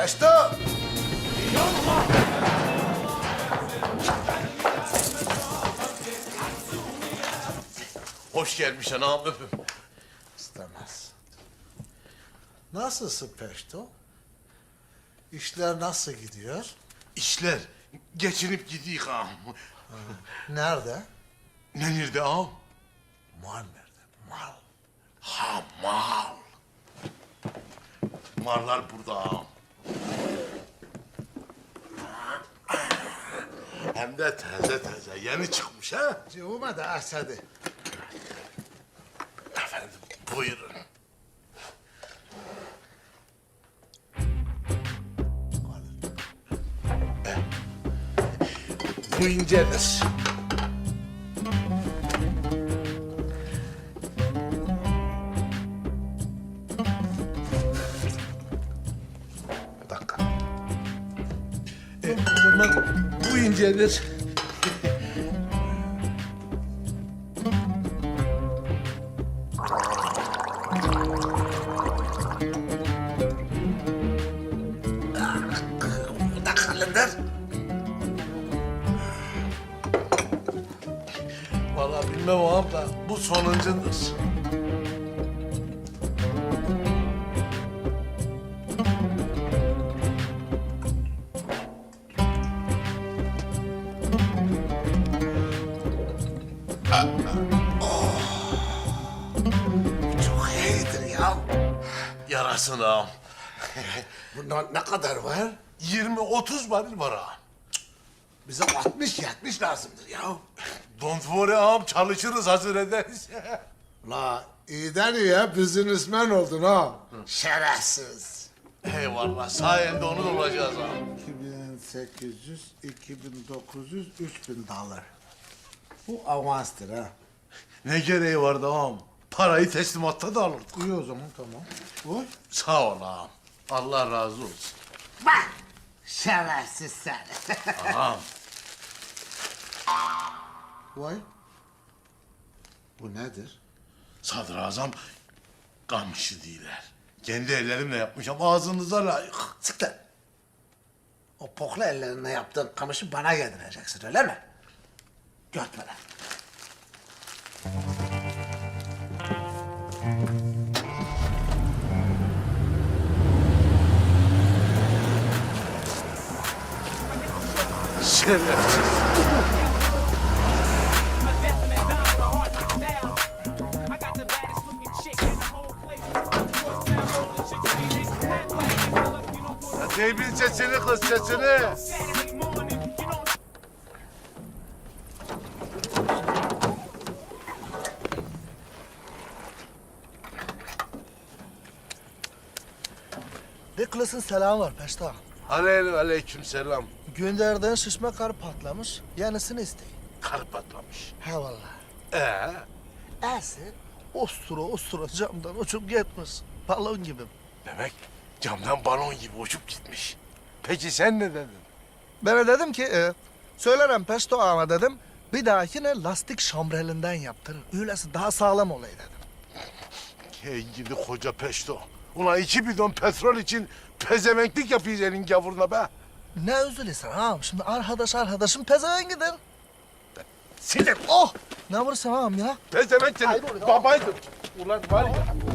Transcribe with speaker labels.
Speaker 1: Peşto!
Speaker 2: Hoş gelmiş anam öpüm.
Speaker 1: İstemez. Nasılsın Peşto? İşler nasıl gidiyor?
Speaker 2: İşler geçinip gidiyor ağam.
Speaker 1: Nerede?
Speaker 2: Ne nerede ağam?
Speaker 1: Mal nerede? Mal.
Speaker 2: Ha mal. Mallar burada ağam. Hem de taze taze yeni çıkmış ha.
Speaker 1: Cevuma da Esed'i.
Speaker 2: Efendim buyurun. Bu incedir. Bir dakika. O zaman bu incedir. Bu da kalındır. Vallahi bilmem ağam da bu sonuncundur.
Speaker 1: Çok iyidir ya.
Speaker 2: Yarasın ağam.
Speaker 1: Bundan ne kadar var?
Speaker 2: 20-30 varil var ağam.
Speaker 1: Bize 60-70 lazımdır ya.
Speaker 2: Don't worry ağam, çalışırız, hazır ederiz.
Speaker 1: La iyiden iyiye businessman oldun ha. Şerefsiz.
Speaker 2: Eyvallah, sayende onu da olacağız ağam.
Speaker 1: 2800, 2900, 3000 dolar. Bu avanstır ha.
Speaker 2: Ne gereği vardı ağam? Parayı teslimatta da alırdık.
Speaker 1: İyi o zaman tamam. Oy.
Speaker 2: Sağ ol ağam. Allah razı olsun.
Speaker 1: Bak. Şerefsiz sen.
Speaker 2: Ağam,
Speaker 1: Vay. Bu nedir?
Speaker 2: sadrazam kamışı değiller. Kendi ellerimle yapmışım, ağzınıza layık.
Speaker 1: Sık lan. O pokla ellerinle yaptığın kamışı bana yedireceksin öyle mi? Görtmeden.
Speaker 2: Şerefsiz. Ya Deybil sesini kız, sesini.
Speaker 3: Nicholas'ın selamı var Peşta.
Speaker 2: Aleyküm selam.
Speaker 3: Gönderdiğin şişme karı patlamış. Yenisini isteyin.
Speaker 2: Kar patlamış.
Speaker 3: He vallahi. Esi ostura camdan uçup gitmiş. Balon gibi.
Speaker 2: Demek camdan balon gibi uçup gitmiş. Peki sen ne dedin?
Speaker 3: Ben de dedim ki söylerim Peşto ağama dedim. Bir dahakine lastik şambrelinden yaptırır. Öylesi daha sağlam olay dedim.
Speaker 2: Hey gidi koca peşto. Ulan 2 bidon petrol için pezevenklik yapıyız elin gavuruna be.
Speaker 3: Ne üzülüyorsun ağam? Şimdi arkadaşın pezevengidir.
Speaker 2: Sinir.
Speaker 3: Oh! Ne vurursun ağam ya?
Speaker 2: Pezevenk seni. Babaydır. Ulan var ya.